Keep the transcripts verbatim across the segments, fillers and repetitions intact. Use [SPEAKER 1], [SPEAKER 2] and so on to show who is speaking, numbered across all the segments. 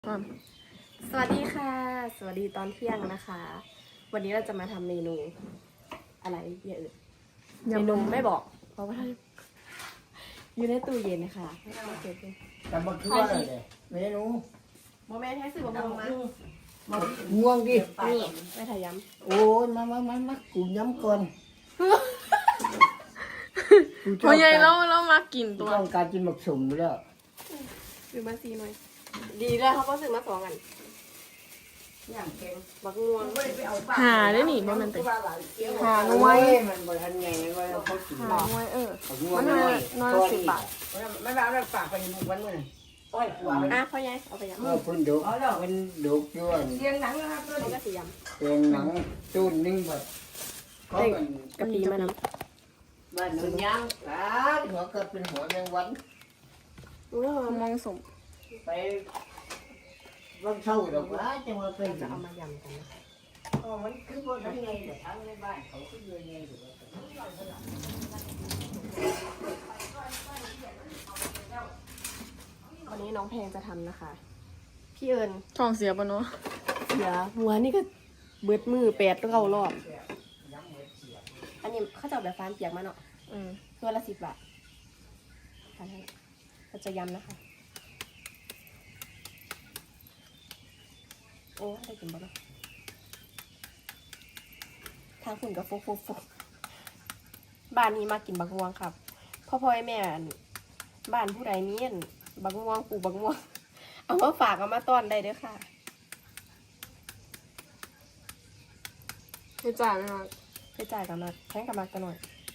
[SPEAKER 1] สวัสดีค่ะสวัสดีตอนเที่ยงนะคะ วันนี้เราจะมาทำเมนูอะไรเยอะเมนูไม่บอกเพราะว่าอยู่ในตู้เย็นนะคะไม่ต้องมาเก็บเลย
[SPEAKER 2] แต่บักคือว่าอะไรเนี่ยเมนู
[SPEAKER 1] โมแม่แท้สื่อบอกมา
[SPEAKER 2] มาง่วงดิ
[SPEAKER 1] นี่ไม่ถ่ายย้
[SPEAKER 2] โอ้ยมามามามากูย้ำก่อน
[SPEAKER 3] พอใหญ่แล้วแล้วมากิน
[SPEAKER 2] ตั
[SPEAKER 3] ตัว ว
[SPEAKER 2] ต้องการกินบักสุ่มอยู่แล้ว
[SPEAKER 1] ำซื้อมาซีหน่อยดีเลยเขาก็ซื้อมาสองอัน
[SPEAKER 2] ย่างเก่ง
[SPEAKER 1] บักม่วง
[SPEAKER 3] หาได้หนิบ่แมันติ
[SPEAKER 2] หาหน่วยมันบ่ทันไงว่าเขากิน
[SPEAKER 3] หาหน่วยเออ
[SPEAKER 2] บักง่วง
[SPEAKER 3] มัน
[SPEAKER 2] น้อย
[SPEAKER 3] น้อยละสิบบาท
[SPEAKER 2] ไม่แบบไม่ฝากไปบุกวันมื้อโอ้ยกลัวมัน
[SPEAKER 1] อ่ะพ่อใหญ่เอาไปย้ำ
[SPEAKER 2] เออพุ่นดุเอาแล้วมันดุอยู่อัน
[SPEAKER 1] เรียงหนังนะครับตัวนี้ก็สีย้
[SPEAKER 2] เป็นหนังจูนนิ่งแบบเขาเป็น
[SPEAKER 1] ำกะปิมะน้
[SPEAKER 2] บ้านหนูย่างกันหัวก็เป็นหัวแมงวัน
[SPEAKER 1] ำอุ้ย
[SPEAKER 3] มองสม
[SPEAKER 2] ไปวันเช้าดอกว่าจะมาเป็น
[SPEAKER 1] จะ
[SPEAKER 2] จะ
[SPEAKER 1] เอา
[SPEAKER 2] เอา
[SPEAKER 1] มา
[SPEAKER 2] มา
[SPEAKER 1] ยำกันนะคะ
[SPEAKER 2] อ๋อมันคือบ่ทันไงแต่ทางในบ้านเขาคืออยู่ไงอยู่ว่า
[SPEAKER 1] วันนี้น้องเพลงจะทำนะคะ พี่เอิญ
[SPEAKER 3] ท้องเสียปะเนาะ
[SPEAKER 1] เสียหัวนี่ก็เบิดมือแปดเก้ารอบ อันนี้เขาจะเอาแบบฟานเปียกมาเนาะ
[SPEAKER 3] อืม
[SPEAKER 1] ตัวละสิบบาททานให้เราจะยำนะคะ โอ้ได้กินบ่เนาะทางคุณกับฟุกฟุกฟุกบ้านนี้มากินบักม่วงครับพ่อพ่อแม่อันบ้านผู้ใดมีอันบักม่วงปลูกบักม่วง เอามาฝากเอามาต้อนได้เด้อค่ะ
[SPEAKER 3] ไม่จ่ายไหมคะ
[SPEAKER 1] ไปจ่ายกันมาแข่งกันมากันหน่อย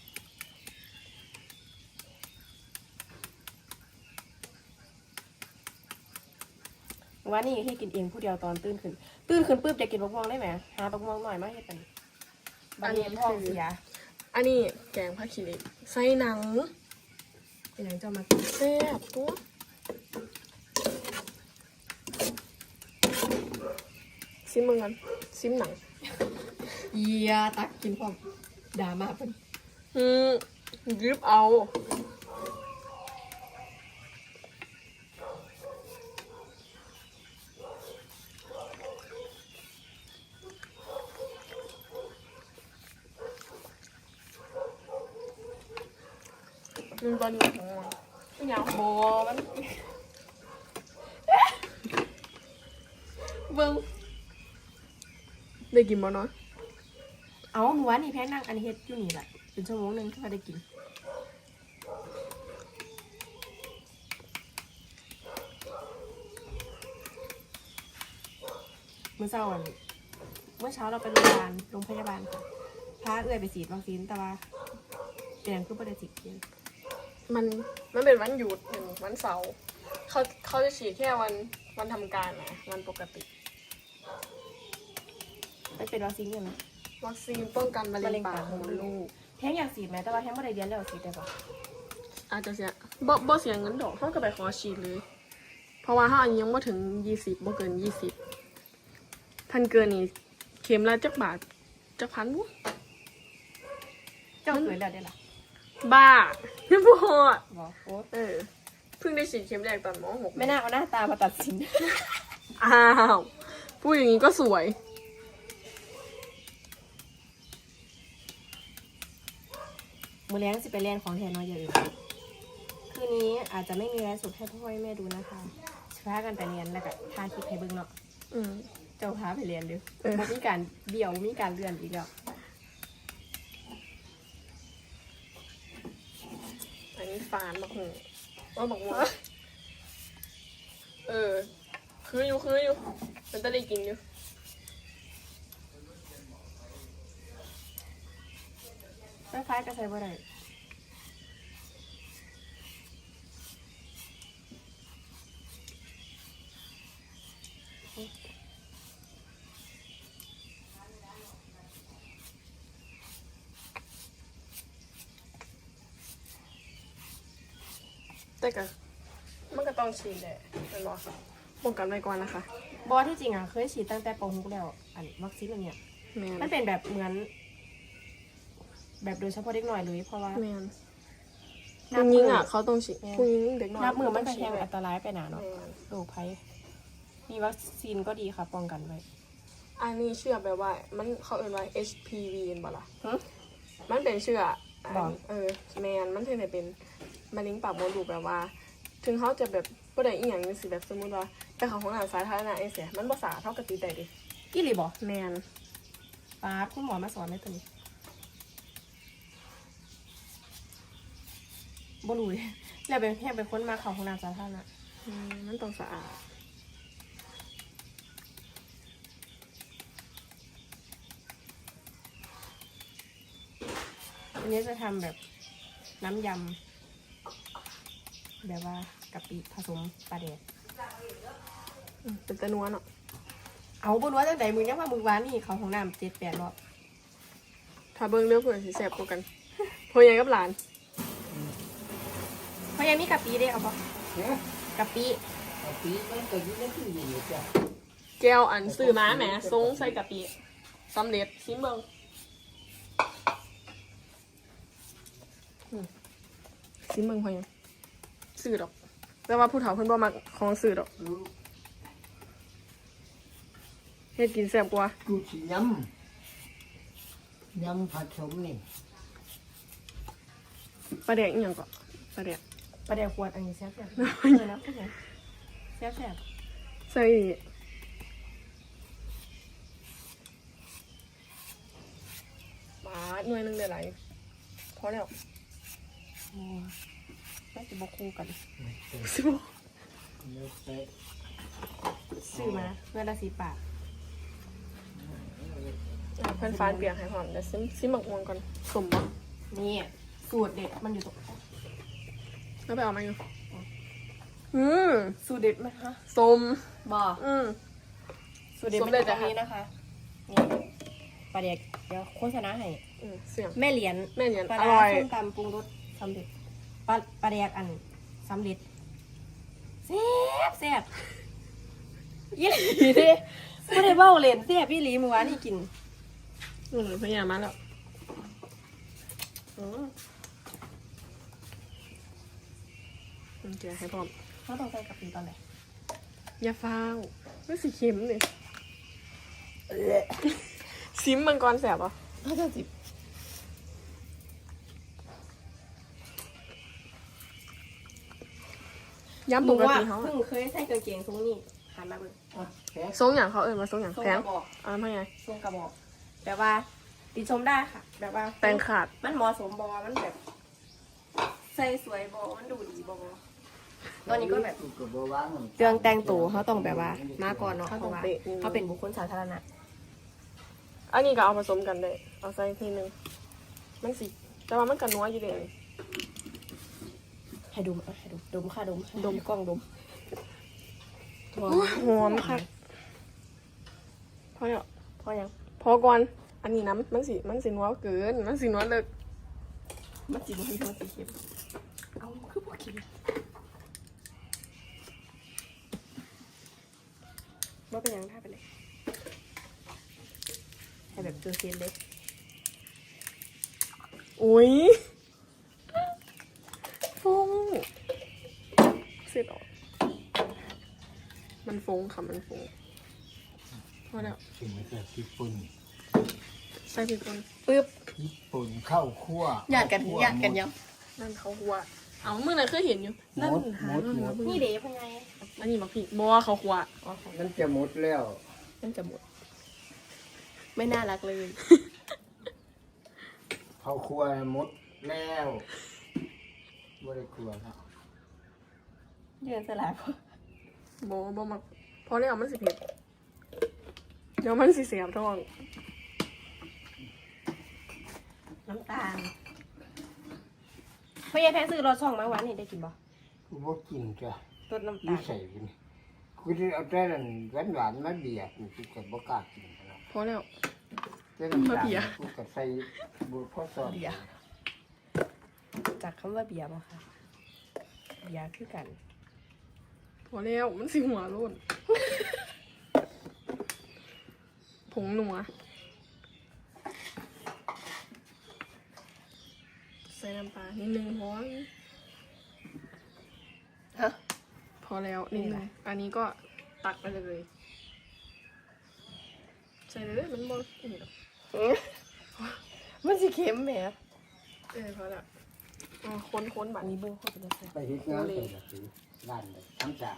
[SPEAKER 1] ว่านี่ให้กินเองผู้เดียวตอนตื่นขึ้น ตื่นขึ้นปุ๊บจะกินบักม่วงได้ไหมหาบักม่วงหน่อยมาให้กันบางทีท้องเสีย
[SPEAKER 3] อันนี้แกงผักขี้เหล็กใส่หนัง
[SPEAKER 1] เป็นอย่างเจ้ามากิน
[SPEAKER 3] แซ่บตัวซิมมึงกันซิมหนัง
[SPEAKER 1] เยียตักกินพร้อมด่ามาเป็น
[SPEAKER 3] อืมยึบเอา มันตอนนี้ของมัน
[SPEAKER 1] ไม่อยากโบมัน เบิ้ง
[SPEAKER 3] ได้กินบ่เนาะ
[SPEAKER 1] เอาหนูว่านี่แพ้นั่งอันเฮ็ดอยู่นี่แหละเป็นชั่วโมงหนึ่งที่มาได้กินเมื่อเช้าอันเมื่อเช้าเราไปโรงพยาบาลโรงพยาบาลค่ะพาเอื้อยไปฉีดวัคซีนแต่ว่าเป็นอย่างคือประเด็นสิเกียน
[SPEAKER 3] มันมันเป็นวันหยุดหนึ่งวันเสาร์เขาเขาจะฉีดแค่วันวันทำการนะวันปกติ
[SPEAKER 1] ไปเป็นวัคซีนยังไง
[SPEAKER 3] วัคซีนป้องกันมะ
[SPEAKER 1] มะ
[SPEAKER 3] เร็
[SPEAKER 1] เร็
[SPEAKER 3] ง
[SPEAKER 1] ง
[SPEAKER 3] ปา
[SPEAKER 1] ปาก ก
[SPEAKER 3] ม
[SPEAKER 1] ม
[SPEAKER 3] ด
[SPEAKER 1] ด
[SPEAKER 3] ลู
[SPEAKER 1] ลู
[SPEAKER 3] ก
[SPEAKER 1] กแท้งอยากฉีดไหมแต่ว่าแท้งไม่ได้เรียนแล้วฉีดได้ปะ
[SPEAKER 3] อาจจะเสียบ่บ่เสียเงินดอกเขาก็ไปขอฉีดเลย เพราะว่าเขาอายุยังไม่ถึงยี่สิบบ่เกินยี่สิบท่านเกินนี่เข็มละจักบาทจักพันบุ
[SPEAKER 1] เจ้าเคยแล้วได้หรอ
[SPEAKER 3] บ้าไม่พอด
[SPEAKER 1] บอกโอ้
[SPEAKER 3] เออเพิ่งได้ฉีดเข็มแรกตอนมหก
[SPEAKER 1] ไม่น่าเอาหน้าตามาตัดสิน
[SPEAKER 3] อ้าวพูดอย่างนี้ก็สวย
[SPEAKER 1] มือแรงสิไปเรียนของแทนน้อยอย่าลืมคืนนี้อาจจะไม่มีไลฟ์สดให้พ่อให้แม่ดูนะคะพากันไปเรียนแล้วก็ทาคลิปให้เบิ่งเนาะ
[SPEAKER 3] อืม
[SPEAKER 1] เจ้าพาไปเรียนเด้อ
[SPEAKER 3] เออ
[SPEAKER 1] บ่มีการเดี่ยวมีการเลื่อนอีกแล้ว
[SPEAKER 3] อันนี้ฟานบักหูว่าบักว่าเออ คืออยู่คืออยู่มันจะได้กินอยู่
[SPEAKER 1] ไฟฟ้าก็ใช้บ่ได้
[SPEAKER 3] แต่ก็มันก็ต้องฉีดแหละเป็นบอป้องกันไว้ก่อนนะคะ
[SPEAKER 1] บอที่จริงอ่ะเคยฉีดตั้งแต่ป .หก แล้วอันวัคซีนอันเนี้ย
[SPEAKER 3] แมน
[SPEAKER 1] มันเป็นแบบเหมือน แบบโดยเฉพาะเด็กหน่อยเลยเพราะว่า
[SPEAKER 3] แมนผู้หญิงอ่ะเขาต้องฉีดผู้หญิงเด็กน้อย
[SPEAKER 1] นับมือมัน
[SPEAKER 3] ต้
[SPEAKER 1] ก็
[SPEAKER 3] งฉี
[SPEAKER 1] แท
[SPEAKER 3] ด
[SPEAKER 1] ง
[SPEAKER 3] เลย
[SPEAKER 1] อันตรายไปหนาเนาะ
[SPEAKER 3] แม่น
[SPEAKER 1] โรคภัยมีวัคซีนก็ดีค่ะป้องกันไว้
[SPEAKER 3] อันนี้เชื่อแบบว่า มันเขาเอ่ยว่า เอช พี วี เห็นบ่ล่ะ
[SPEAKER 1] หึ
[SPEAKER 3] มันเป็นเชื่อ
[SPEAKER 1] บ่
[SPEAKER 3] อันเออแมนมันถึงได้เป็นมะเร็งปากมดลูกแบบว่า ถึงเขาจะแบบบ่ได้อีหยังจังซี่แบบสมมุติว่าไปเข้าห้องน้ำสาธารณะจังซี่มันบ่สะอาดเท่ากับติดได้ดิ
[SPEAKER 1] อีหลีบ่
[SPEAKER 3] แมน
[SPEAKER 1] ป้าบคุณหมอมาสอนในตัวนี้บ่รู้เลยแล้วเป็นแค่เป็นคนมาเข้าห้องน้ำสาธารณะ
[SPEAKER 3] อืมมันต้องสะอาด
[SPEAKER 1] อันนี้จะทำแบบน้ำยำแบบว่ากะปิผสมปลาแดก
[SPEAKER 3] อืมเป็นตะนัวเนาะ
[SPEAKER 1] เอาบนว่าจังใดมึงยังว่ามึงวานนี่เขาห้องน้ำเจ็ดแปดรอบ
[SPEAKER 3] ถ้าเบิ่งเรื่องเพื่อนสิแซ่บกว่ากันพ่อใหญ่กับหลาน
[SPEAKER 1] เพราะยังมีกะปิได้เอาปะ
[SPEAKER 2] เนี่ย
[SPEAKER 1] กะปิ
[SPEAKER 2] เอาปีมันก็อยู่ในตู้เย็นอยู่จ้ะ
[SPEAKER 3] แก้วอันซื้อมาแหมทรงใส่กะปิสำเร็จชิมเบิ่งอืมชิมเบิ่งพ่อใหญ่ซื้อดอก แต่ว่าผู้เฒ่าเพิ่นบ่มักของซื้อดอก
[SPEAKER 2] รู้
[SPEAKER 3] เฮ็ดกินแซ่บกว่า
[SPEAKER 2] กูสิยำยำผสมนี่
[SPEAKER 3] ปลาแดกอีหยังก็ปลาแดก
[SPEAKER 1] ปลาแดกขวดอันนี้แซ่บแซ่บเออนะพูดถึงแซ่บแซ่บ
[SPEAKER 3] ใส่ปลาหน่วยหนึงได้หลายพอแล้ว
[SPEAKER 1] อืมไม่จะบอกคู่กัน
[SPEAKER 3] สิบ่
[SPEAKER 2] เนื้อเตะ
[SPEAKER 1] ซื้อมาเพื่อละสิบบาท
[SPEAKER 3] อ่ะเพิ่นฟานเปียกให้พร้อมเดี๋ยวซิมซิมบักม่วงก่อนสมบ่
[SPEAKER 1] นี่สูตรเด็ดมันอยู่ตรง
[SPEAKER 3] แล้วไปเอามาอยู่อืม
[SPEAKER 1] สูตรเด็ดไหมคะ
[SPEAKER 3] สม
[SPEAKER 1] บอ
[SPEAKER 3] อืม
[SPEAKER 1] สูตรเด็ด
[SPEAKER 3] สู
[SPEAKER 1] มั
[SPEAKER 3] ต
[SPEAKER 1] น
[SPEAKER 3] ร
[SPEAKER 1] อ
[SPEAKER 3] เด็ด
[SPEAKER 1] ยู่ตรง
[SPEAKER 3] จ้ะ
[SPEAKER 1] นี้นะคะนี่ปลาแดกเดี๋ยวโฆษณาให้
[SPEAKER 3] อืมเสียง
[SPEAKER 1] แม่เหรียญ
[SPEAKER 3] แม่เหรียญ
[SPEAKER 1] ปลา
[SPEAKER 3] อ
[SPEAKER 1] ร้า
[SPEAKER 3] ร่อย
[SPEAKER 1] ส้มตำปรุงรสสำเร็จปลาปลาแดกอันสำเร็จแซ่บแซ่บยี่หลีเด้ไม่ได้เบ้าเล่นแซ่บพี่หลีเมื่อวานนี่กิน
[SPEAKER 3] อืมพยายามมาแล้ว
[SPEAKER 1] อืม
[SPEAKER 3] อืมเดี๋ยวให้พร้อม
[SPEAKER 1] เขาต้องใส่กะปิตอนไหน
[SPEAKER 3] อย่าฟ้าวไม่สีเข็มเลยซิมมังกรแสบอ่ะ
[SPEAKER 1] เขาจะจิบ
[SPEAKER 3] ย้ำ
[SPEAKER 1] ห
[SPEAKER 3] ป
[SPEAKER 1] นู
[SPEAKER 3] ก
[SPEAKER 1] ว่า
[SPEAKER 3] ติเขา
[SPEAKER 1] เพิ่งเคยใส่กางเกงทรงนี้หันมาเบิ่ง
[SPEAKER 2] อ่ะแขก
[SPEAKER 3] ทรงอย่างเขาเอ่ยมาทรงอย่าง
[SPEAKER 1] ทรง
[SPEAKER 3] แพ
[SPEAKER 1] ก
[SPEAKER 3] ง
[SPEAKER 1] ระบอก
[SPEAKER 3] อ่าไม่ไง
[SPEAKER 1] ทรงกระบอกแบบว่าติชมได้ค่ะ แบบว่า
[SPEAKER 3] แต่งขาด
[SPEAKER 1] มันเหมาะสมบอมันแบบ ใส่สวยบอมันดูดีบอตอนนี้ก็แบบ
[SPEAKER 2] กูก็บ่วาง
[SPEAKER 1] เรื่องแต่งตัวเขาต้องแบบว่า มาก่อนเนาะ
[SPEAKER 3] เขา
[SPEAKER 1] เพ
[SPEAKER 3] ต้อง
[SPEAKER 1] ราะว่า
[SPEAKER 3] เป๊ะนิดนึง
[SPEAKER 1] เขาเป็นบุคคลสาธารณะ
[SPEAKER 3] อันนี้ก็เอาผสมกันได้เอาใส่ทีนึงมันสิแต่ว่ามันกันนัวอยู่เลย
[SPEAKER 1] ให้ดมเอาให้ดมดมค่ะดมดมกล้องดม
[SPEAKER 3] หอมค่ะพอแล้ว
[SPEAKER 1] พอยัง
[SPEAKER 3] พอก่อนอันนี้น้ำมันสิมันสินัวเกินมันสินัวเลิก
[SPEAKER 1] มันสีมันมันสีเข็มเอาคือพวกกินว่าเป็นยังท่าไปเลยให้แบบเจอเซียนเลย
[SPEAKER 3] อุ้ยฟงเสร็จออกมันฟงค่ะมันฟงพอแล้ว
[SPEAKER 2] กินมาจากญี่ปุ่น
[SPEAKER 3] ใส่พริกป่น
[SPEAKER 1] ปึ๊บ
[SPEAKER 2] ญี่ปุ่นข้าวคั่ว
[SPEAKER 1] หยาดกัน
[SPEAKER 2] ข้ว
[SPEAKER 1] หยาดกันยัง
[SPEAKER 3] นั่นเขาหัวเอาเมื่อไหร่เคยเห็นอยู่
[SPEAKER 2] หม
[SPEAKER 3] นั่น
[SPEAKER 2] ดห
[SPEAKER 3] หาม
[SPEAKER 2] ดหมด
[SPEAKER 1] นี่เด๋เป็นไง
[SPEAKER 3] อันนี้บอกพี่บัวเขาหัว
[SPEAKER 1] อ๋อของ
[SPEAKER 2] มันจะหมดแล้ว
[SPEAKER 1] มันจะหมด ไม่น่ารักเลย
[SPEAKER 2] ข้าวคั่วหมดแล้วบ่ได้ครัวแล้ว
[SPEAKER 1] เยืนสลายพอ
[SPEAKER 3] บัวบัวมาพอแล้วมันสิเผ็ดเดี๋ยวมันสิเสียบท้อง
[SPEAKER 1] น้ำตาลพ่อยายแพ้ซื้อรสช่องมาหวานนี่ได้กินบ่
[SPEAKER 2] กูบ่กินจ้ะ
[SPEAKER 1] รสน้ำ
[SPEAKER 2] นิ
[SPEAKER 1] ตาล
[SPEAKER 2] สัยกูนี่กูจะเอาแต่นั้นหวานหวานๆมาเบียดกูก็บ่กล้ากินแล้ว
[SPEAKER 3] พอแล้ว
[SPEAKER 2] แต่น้ำ
[SPEAKER 3] มา
[SPEAKER 2] ตา
[SPEAKER 3] เบีย
[SPEAKER 2] ล
[SPEAKER 3] ด
[SPEAKER 2] กูก็ใส่บุพอสอบ
[SPEAKER 1] เบียร์จากคำว่าเบียร์บ่ค่ะเบียร์คือกัน
[SPEAKER 3] พอแล้วมันสิหัวโล้นผงหนัวใส่น้ำปลานิดนึงพอ
[SPEAKER 1] ฮะ
[SPEAKER 3] พอแล้วนิดนึงอันนี้ก็ตักไปเลยใส่เลยมันบ่อีก
[SPEAKER 1] มันสิเค็มแหม
[SPEAKER 3] เออพอละอ่าค้นค้นๆบั
[SPEAKER 1] อั
[SPEAKER 3] ด
[SPEAKER 1] น
[SPEAKER 3] นี้
[SPEAKER 1] นี้เบิ่งเขาเป็นจังซี่
[SPEAKER 2] ไปเฮ็ดงานไปแบบนี้บ้านเลยทั้งจาก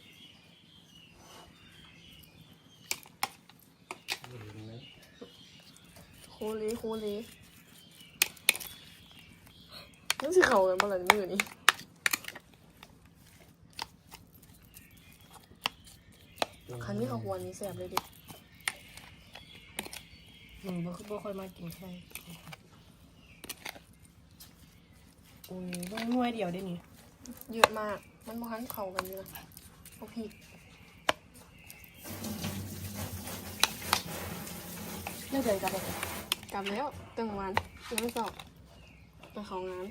[SPEAKER 2] เห็นไหม
[SPEAKER 3] โคเลโคเลนั่นสิเขากันบ่ล่ะมือนี้ คันนี้เขาควรนี้แสบเลยดิ
[SPEAKER 1] อืมบ่คือบ่ค่อยมากินไข่อุ้ยเบิ่งหน่วยเดียวได้นี่
[SPEAKER 3] เยอะมาก มันบ่ทันเข้ากันอยู่นะโอ้พี่
[SPEAKER 1] เลิกเดินกลับไป
[SPEAKER 3] กลับแล้วตั้งวันยังไม่สอบไปของงาน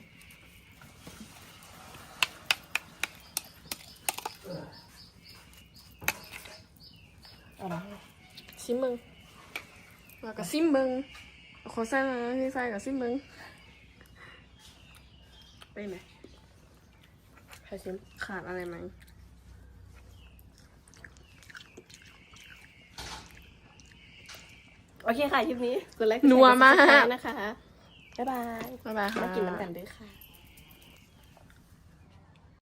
[SPEAKER 1] เอาล่ะ
[SPEAKER 3] ซิมเบิงแล้วก็ซิมเบิงขอใส่นะที่ใส่กับซิมเบิงไปไหน
[SPEAKER 1] ให้ชิม
[SPEAKER 3] ขาดอะไรไหม
[SPEAKER 1] โอเคค่ะคลิปนี้กดไลค์กดแชร์
[SPEAKER 3] นัวมาก
[SPEAKER 1] กด Subscribe นะคะบ๊ายบาย
[SPEAKER 3] บ๊ายบายค่ะ
[SPEAKER 1] มากินน้ำกันด้วยค่ะ